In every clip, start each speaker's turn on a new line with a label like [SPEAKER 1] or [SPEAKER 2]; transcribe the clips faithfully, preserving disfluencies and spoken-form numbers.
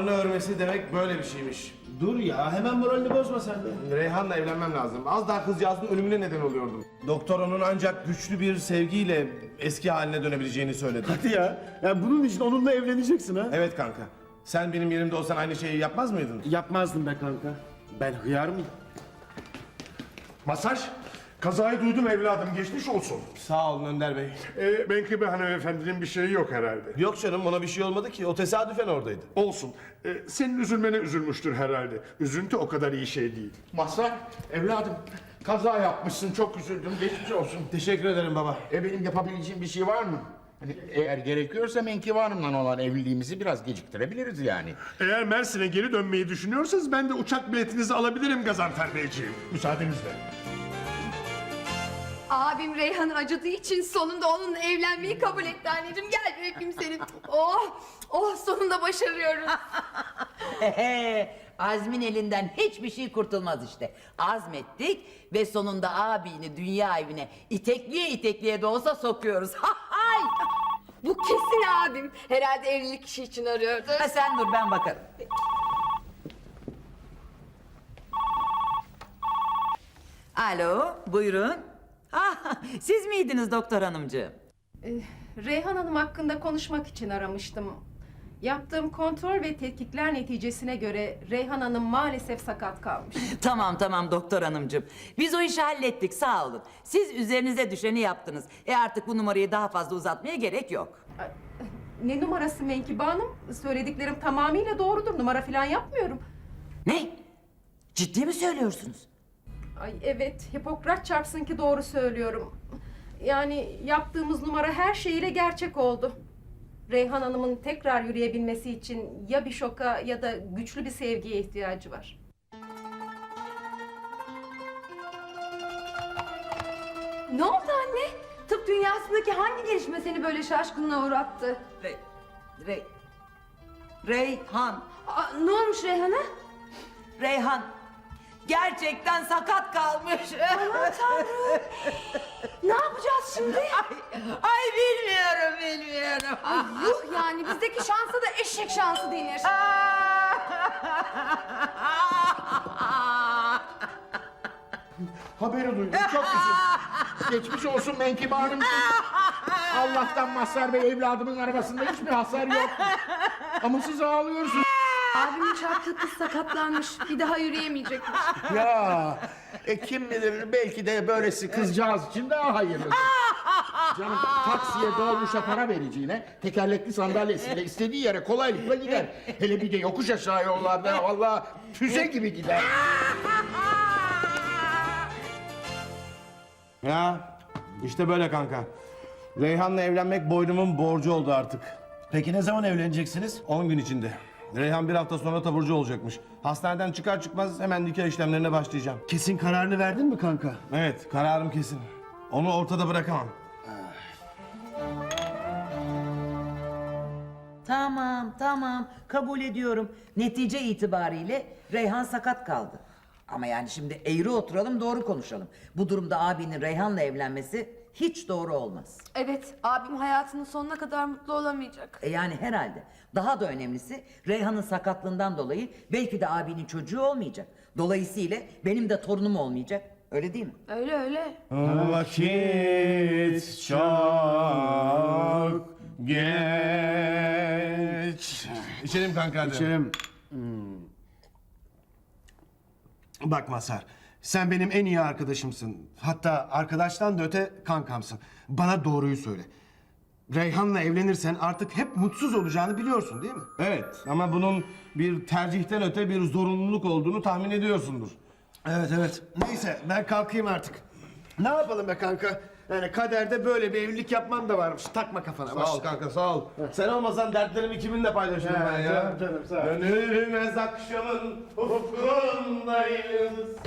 [SPEAKER 1] Hesabını örmesi demek böyle bir şeymiş.
[SPEAKER 2] Dur ya, hemen moralini bozma sen de.
[SPEAKER 1] Reyhan'la evlenmem lazım. Az daha kızcağızın ölümüne neden oluyordum. Doktor onun ancak güçlü bir sevgiyle eski haline dönebileceğini söyledi.
[SPEAKER 2] Hadi ya, ya bunun için onunla evleneceksin ha?
[SPEAKER 1] Evet kanka. Sen benim yerimde olsan aynı şeyi yapmaz mıydın?
[SPEAKER 2] Yapmazdım be kanka. Ben hıyar mıyım?
[SPEAKER 3] Masaj, kazayı duydum evladım, geçmiş olsun.
[SPEAKER 1] Sağ olun Önder Bey.
[SPEAKER 3] Ee, Menkıbe hanımefendinin bir şeyi yok herhalde.
[SPEAKER 1] Yok canım, ona bir şey olmadı ki. O tesadüfen oradaydı.
[SPEAKER 3] Olsun. Ee, senin üzülmene üzülmüştür herhalde. Üzüntü o kadar iyi şey değil.
[SPEAKER 4] Mazhar, evladım kaza yapmışsın, çok üzüldüm, geçmiş olsun.
[SPEAKER 1] Teşekkür ederim baba.
[SPEAKER 4] E benim yapabileceğim bir şey var mı? Hani eğer gerekiyorsa Menkıbe Hanım'la olan evliliğimizi biraz geciktirebiliriz yani.
[SPEAKER 3] Eğer Mersin'e geri dönmeyi düşünüyorsanız ben de uçak biletinizi alabilirim Gazanfer Beyciğim. Müsaadenizle.
[SPEAKER 5] Abim Reyhan'ı acıdığı için sonunda onunla evlenmeyi kabul etti anneciğim. Gel bir öpeyim seni. Oh, oh sonunda başarıyoruz.
[SPEAKER 6] Ehe, Azmin elinden hiçbir şey kurtulmaz işte. Azmettik ve sonunda abini dünya evine itekliye itekliye de olsa sokuyoruz. Ha hay!
[SPEAKER 5] Bu kesin abim. Herhalde evlilik işi için arıyordu.
[SPEAKER 6] Ha, sen dur, ben bakarım. Alo, buyurun. Ah, siz miydiniz doktor hanımcığım?
[SPEAKER 7] Reyhan Hanım hakkında konuşmak için aramıştım. Yaptığım kontrol ve tetkikler neticesine göre Reyhan Hanım maalesef sakat kalmış.
[SPEAKER 6] Tamam tamam doktor hanımcığım. Biz o işi hallettik, sağ olun. Siz üzerinize düşeni yaptınız. E artık bu numarayı daha fazla uzatmaya gerek yok.
[SPEAKER 7] Ay, Ne numarası Menkıbe Hanım? Söylediklerim tamamıyla doğrudur. Numara falan yapmıyorum.
[SPEAKER 6] Ne? Ciddi mi söylüyorsunuz?
[SPEAKER 7] Ay evet, Hipokrat çarpsın ki doğru söylüyorum. Yani yaptığımız numara her şeyiyle gerçek oldu. Reyhan Hanım'ın tekrar yürüyebilmesi için ya bir şoka ya da güçlü bir sevgiye ihtiyacı var.
[SPEAKER 5] Ne oldu anne? Tıp dünyasındaki hangi gelişme seni böyle şaşkınlığa uğrattı?
[SPEAKER 6] Rey... Rey... Reyhan...
[SPEAKER 5] Aa, ne olmuş Reyhan'a?
[SPEAKER 6] Reyhan... Gerçekten sakat kalmış.
[SPEAKER 5] Aman Tanrım! Ne yapacağız şimdi?
[SPEAKER 6] Ay, ay bilmiyorum, bilmiyorum.
[SPEAKER 5] Ay, yuh yani bizdeki şansa da eşek şansı denir.
[SPEAKER 4] Haberi duydum, çok üzüldüm. Geçmiş olsun Menkıbe Hanım. Allah'tan Mazhar Bey evladımın arabasında hiçbir hasar yok. Ama siz ağlıyorsunuz.
[SPEAKER 5] Abimin çarptığı kız sakatlanmış. Bir daha yürüyemeyecekmiş.
[SPEAKER 4] Ya, e kim bilir belki de böylesi kızcağız için daha hayırlıdır. Canım taksiye dolmuşa para vereceğine tekerlekli sandalyesiyle istediği yere kolaylıkla gider. Hele bir de yokuş aşağı yollarda vallahi füze gibi gider.
[SPEAKER 1] Ya işte böyle kanka. Reyhan'la evlenmek boynumun borcu oldu artık.
[SPEAKER 2] Peki ne zaman evleneceksiniz?
[SPEAKER 1] on gün içinde. Reyhan bir hafta sonra taburcu olacakmış. Hastaneden çıkar çıkmaz hemen nikah işlemlerine başlayacağım.
[SPEAKER 2] Kesin kararını verdin mi kanka?
[SPEAKER 1] Evet, kararım kesin. Onu ortada bırakamam.
[SPEAKER 6] Tamam, tamam. Kabul ediyorum. Netice itibariyle Reyhan sakat kaldı. Ama yani şimdi eğri oturalım, doğru konuşalım. Bu durumda abinin Reyhan'la evlenmesi hiç doğru olmaz.
[SPEAKER 5] Evet, abim hayatının sonuna kadar mutlu olamayacak.
[SPEAKER 6] E yani herhalde. Daha da önemlisi Reyhan'ın sakatlığından dolayı belki de abinin çocuğu olmayacak. Dolayısıyla benim de torunum olmayacak. Öyle değil mi?
[SPEAKER 5] Öyle öyle.
[SPEAKER 1] Vakit çok geç. İçelim kanka hadi.
[SPEAKER 2] İçerim. Bak Mazhar, sen benim en iyi arkadaşımsın. Hatta arkadaştan da öte kankamsın. Bana doğruyu söyle. Reyhan'la evlenirsen artık hep mutsuz olacağını biliyorsun değil mi?
[SPEAKER 1] Evet ama bunun bir tercihten öte bir zorunluluk olduğunu tahmin ediyorsundur.
[SPEAKER 2] Evet evet. Neyse ben kalkayım artık. Ne yapalım be kanka? Yani kaderde böyle bir evlilik yapman da varmış. Takma kafana.
[SPEAKER 1] Sağ ol kanka sağ ol. Sen olmasan dertlerimi kiminle paylaşırım
[SPEAKER 2] Ha,
[SPEAKER 1] ben ya?
[SPEAKER 2] canım, canım, sağ ol.
[SPEAKER 1] Dönülmez akşamın ufkundayız.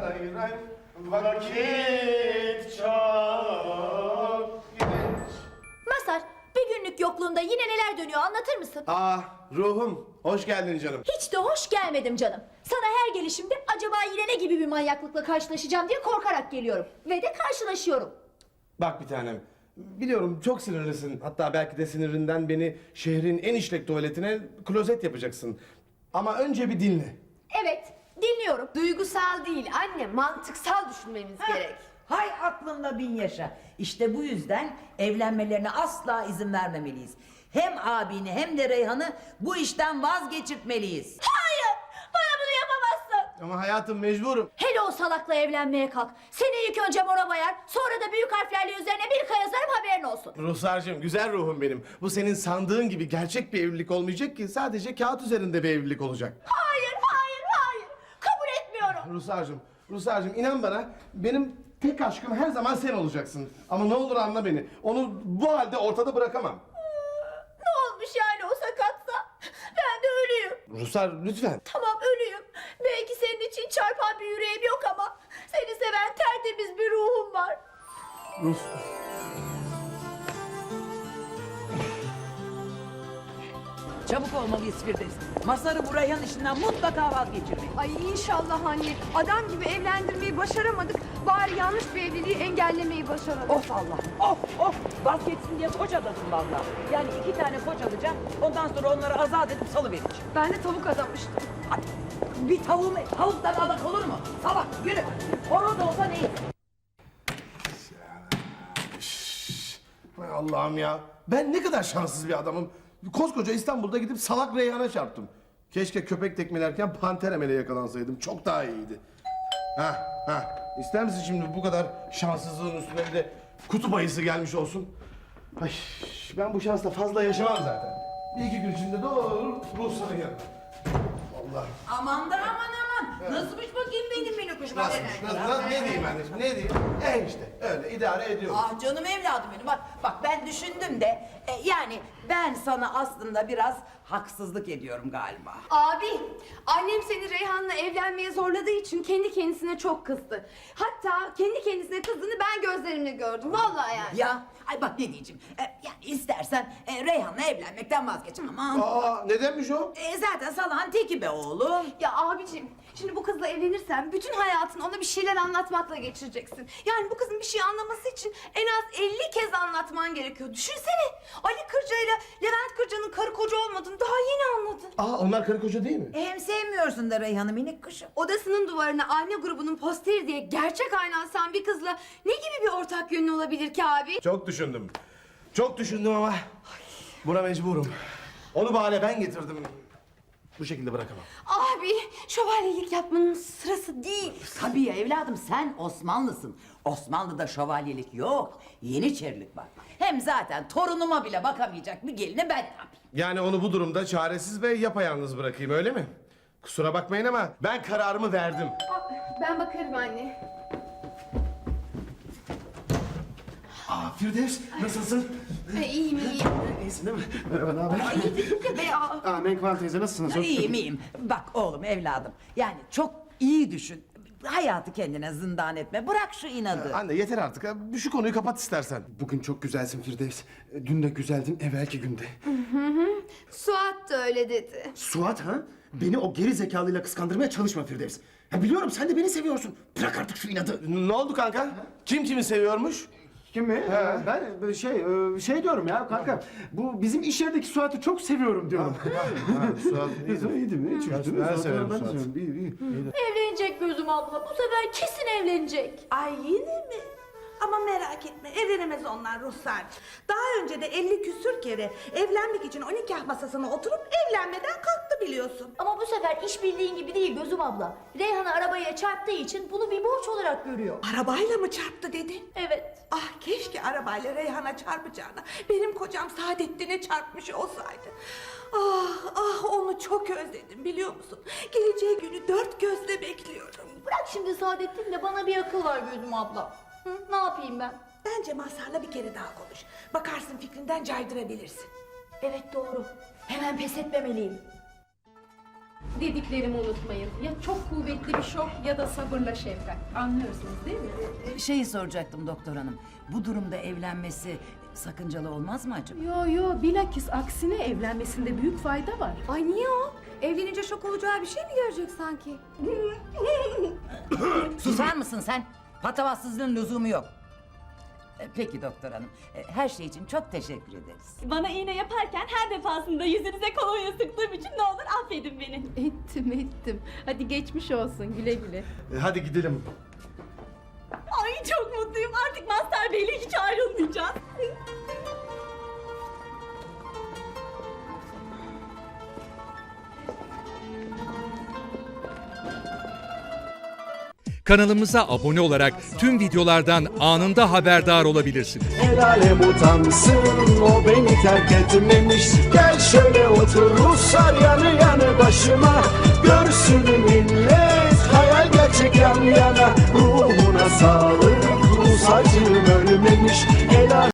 [SPEAKER 1] Vakit çok geç.
[SPEAKER 8] Mazhar, bir günlük yokluğunda yine neler dönüyor anlatır mısın?
[SPEAKER 1] Ah ruhum, hoş geldin canım.
[SPEAKER 8] Hiç de hoş gelmedim canım. Sana her gelişimde acaba yine ne gibi bir manyaklıkla karşılaşacağım diye korkarak geliyorum. Ve de karşılaşıyorum.
[SPEAKER 1] Bak bir tanem, biliyorum çok sinirlisin. Hatta belki de sinirinden beni şehrin en işlek tuvaletine klozet yapacaksın. Ama önce bir dinle.
[SPEAKER 8] Evet, dinliyorum.
[SPEAKER 5] Duygusal değil anne, mantıksal düşünmemiz gerek.
[SPEAKER 6] Hay aklında bin yaşa. İşte bu yüzden evlenmelerine asla izin vermemeliyiz. Hem abini hem de Reyhan'ı bu işten vazgeçirtmeliyiz.
[SPEAKER 8] Hayır, bana bunu yapamazsın.
[SPEAKER 1] Ama hayatım mecburum.
[SPEAKER 8] Hele o salakla evlenmeye kalk. Seni ilk önce mora bayar, sonra da büyük harflerle üzerine bir kaya yazarım, haberin olsun.
[SPEAKER 1] Ruhsarcığım, güzel ruhum benim. Bu senin sandığın gibi gerçek bir evlilik olmayacak ki, sadece kağıt üzerinde bir evlilik olacak.
[SPEAKER 8] Hayır, hayır, hayır. Kabul etmiyorum.
[SPEAKER 1] Ruhsarcığım, Ruhsarcığım inan bana, benim tek aşkım her zaman sen olacaksın. Ama ne olur anla beni, onu bu halde ortada bırakamam.
[SPEAKER 8] Ne olmuş yani o sakatsa? Ben de ölüyüm.
[SPEAKER 1] Ruhsar lütfen.
[SPEAKER 8] Tamam, ölüyüm. Belki senin için çarpan bir yüreğim yok ama seni seven tertemiz bir ruhum var.
[SPEAKER 1] Ruh...
[SPEAKER 6] Çabuk olmalıyız Firdevs. Masarı bu Reyhan işinden mutlaka vazgeçirmeyin.
[SPEAKER 5] Ay inşallah anne. Adam gibi evlendirmeyi başaramadık. Bari yanlış bir evliliği engellemeyi başaralım.
[SPEAKER 6] Of Allah'ım, of of! Vazgeçsin diye koç adasın vallahi. Yani iki tane koç alacağım, ondan sonra onları azat edip salıvereceğim.
[SPEAKER 5] Ben de tavuk adamıştım.
[SPEAKER 6] Ay, bir tavuğum, tavuktan adak olur mu? Salak, yürü! Horoz olsa neyse.
[SPEAKER 1] Hay Allah'ım ya. Ben ne kadar şanssız bir adamım. Koskoca İstanbul'da gidip salak Reyhan'a çarptım. Keşke köpek tekmelerken panter emele yakalansaydım. Çok daha iyiydi. Ha ha. İster misin şimdi bu kadar şanssızlığın üstüne bir de kutup ayısı gelmiş olsun? Ay, ben bu şansla fazla yaşamam zaten. Bir iki gün içinde doğru ruhsana gel. Allah.
[SPEAKER 6] Aman da aman aman! Nasılmış bakayım benim minik kuşum?
[SPEAKER 1] Nasılmış? Nasıl, nasıl, ne diyeyim anneciğim? Ne diyeyim? E işte öyle idare ediyorum.
[SPEAKER 6] Ah canım evladım benim, bak bak ben düşündüm de e, yani ben sana aslında biraz haksızlık ediyorum galiba.
[SPEAKER 5] Abi, annem seni Reyhan'la evlenmeye zorladığı için kendi kendisine çok kızdı. Hatta kendi kendisine kızdığını ben gözlerimle gördüm. Vallahi yani.
[SPEAKER 6] Ya ay bak ne diyeceğim, e, yani istersen e, Reyhan'la evlenmekten vazgeçin ama
[SPEAKER 1] Aa nedenmiş o?
[SPEAKER 6] e, zaten salağın teki be oğlum.
[SPEAKER 5] Ya abicim, şimdi bu kızla evlenirsen bütün hayatını ona bir şeyler anlatmakla geçireceksin. Yani bu kızın bir şey anlaması için en az elli kez anlatman gerekiyor. Düşünsene, Ali Kırca ile Levent Kırca'nın karı koca olmadığını daha yeni anladın.
[SPEAKER 1] Aa onlar karı koca değil mi?
[SPEAKER 6] E, hem sevmiyorsun da Reyhan'ı minik kuşum.
[SPEAKER 5] Odasının duvarına anne grubunun posteri diye gerçek ayna asan bir kızla ne gibi bir ortak yönü olabilir ki abi?
[SPEAKER 1] Çok düşündüm. Çok düşündüm ama buna mecburum. Onu bahane ben getirdim. Bu şekilde bırakamam.
[SPEAKER 5] Abi, şövalyelik yapmanın sırası değil.
[SPEAKER 6] Tabii ya evladım, sen Osmanlısın. Osmanlı'da şövalyelik yok, yeniçerilik var. Hem zaten torunuma bile bakamayacak bir gelini ben yapayım.
[SPEAKER 1] Yani onu bu durumda çaresiz ve yapayalnız bırakayım öyle mi? Kusura bakmayın ama ben kararımı verdim.
[SPEAKER 5] Aa, ben bakarım anne.
[SPEAKER 1] Aa Firdevs nasılsın?
[SPEAKER 5] E, iyiyim iyiyim.
[SPEAKER 2] İyisin değil mi? Merhaba, ne haber?
[SPEAKER 5] İyi be aa.
[SPEAKER 2] Aa, Menkvan teyze nasılsınız? Çok-
[SPEAKER 6] İyiyim iyiyim. Bak oğlum evladım, yani çok iyi düşün. Hayatı kendine zindan etme, bırak şu inadı.
[SPEAKER 1] Anne yeter artık. ha. Şu konuyu kapat istersen.
[SPEAKER 2] Bugün çok güzelsin Firdevs. Dün de güzeldin evvelki günde.
[SPEAKER 5] Suat da öyle dedi.
[SPEAKER 2] Suat ha? Beni o geri zekalıyla kıskandırmaya çalışma Firdevs. Ha, biliyorum sen de beni seviyorsun. Bırak artık şu inadı.
[SPEAKER 1] Ne oldu kanka? Kim kimi seviyormuş?
[SPEAKER 2] Kim mi? Ben şey şey diyorum ya kanka. Bu bizim iş yerindeki Suat'ı çok seviyorum diyorum.
[SPEAKER 1] Suat
[SPEAKER 2] İyi değil mi? Hiç
[SPEAKER 1] Ben-
[SPEAKER 2] üzülme.
[SPEAKER 1] ben
[SPEAKER 2] Suat'ı
[SPEAKER 1] severim
[SPEAKER 2] ben
[SPEAKER 1] Suat'ı.
[SPEAKER 2] seviyorum. İyi, iyi.
[SPEAKER 8] Evlenecek Gözüm abla. Bu sefer kesin evlenecek.
[SPEAKER 9] Ay yine mi? Ama merak etme, evlenemez onlar Ruhsar. Daha önce de elli küsür kere evlenmek için o nikah masasına oturup evlenmeden kalktı biliyorsun.
[SPEAKER 8] Ama bu sefer iş bildiğin gibi değil Gözüm abla. Reyhan'ı arabaya çarptığı için bunu bir borç olarak görüyor.
[SPEAKER 9] Arabayla mı çarptı dedin?
[SPEAKER 8] Evet.
[SPEAKER 9] Ah keşke arabayla Reyhan'a çarpacağına benim kocam Saadettin'e çarpmış olsaydı. Ah ah onu çok özledim biliyor musun? Geleceği günü dört gözle bekliyorum.
[SPEAKER 8] Bırak şimdi Saadettin de bana bir akıl var Gözüm abla. Hı, ne yapayım ben?
[SPEAKER 9] Bence Mazhar'la bir kere daha konuş. Bakarsın fikrinden caydırabilirsin.
[SPEAKER 8] Evet doğru. Hemen pes etmemeliyim.
[SPEAKER 7] Dediklerimi unutmayın. Ya çok kuvvetli bir şok ya da sabırla şefkat. Anlıyorsunuz değil mi?
[SPEAKER 6] Şeyi soracaktım doktor hanım, bu durumda evlenmesi sakıncalı olmaz mı acaba?
[SPEAKER 7] Yo yo bilakis aksine evlenmesinde büyük fayda var.
[SPEAKER 5] Ay niye o? Evlenince şok olacağı bir şey mi görecek sanki?
[SPEAKER 6] Susar mısın sen? Patavatsızlığın lüzumu yok. E, Peki doktor hanım. E, Her şey için çok teşekkür ederiz.
[SPEAKER 8] Bana iğne yaparken her defasında yüzünüze kolonya sıktığım için ne olur affedin beni.
[SPEAKER 7] Ettim ettim. Hadi geçmiş olsun güle güle.
[SPEAKER 1] E, hadi gidelim.
[SPEAKER 8] Ay çok mutluyum. Artık Mazhar Bey'le hiç ayrılmayacağız.
[SPEAKER 10] Kanalımıza abone olarak tüm videolardan anında haberdar olabilirsiniz.
[SPEAKER 11] El alem utansın, o beni terk etmemiş. Gel şöyle otur Ruslar yanı yanı başıma.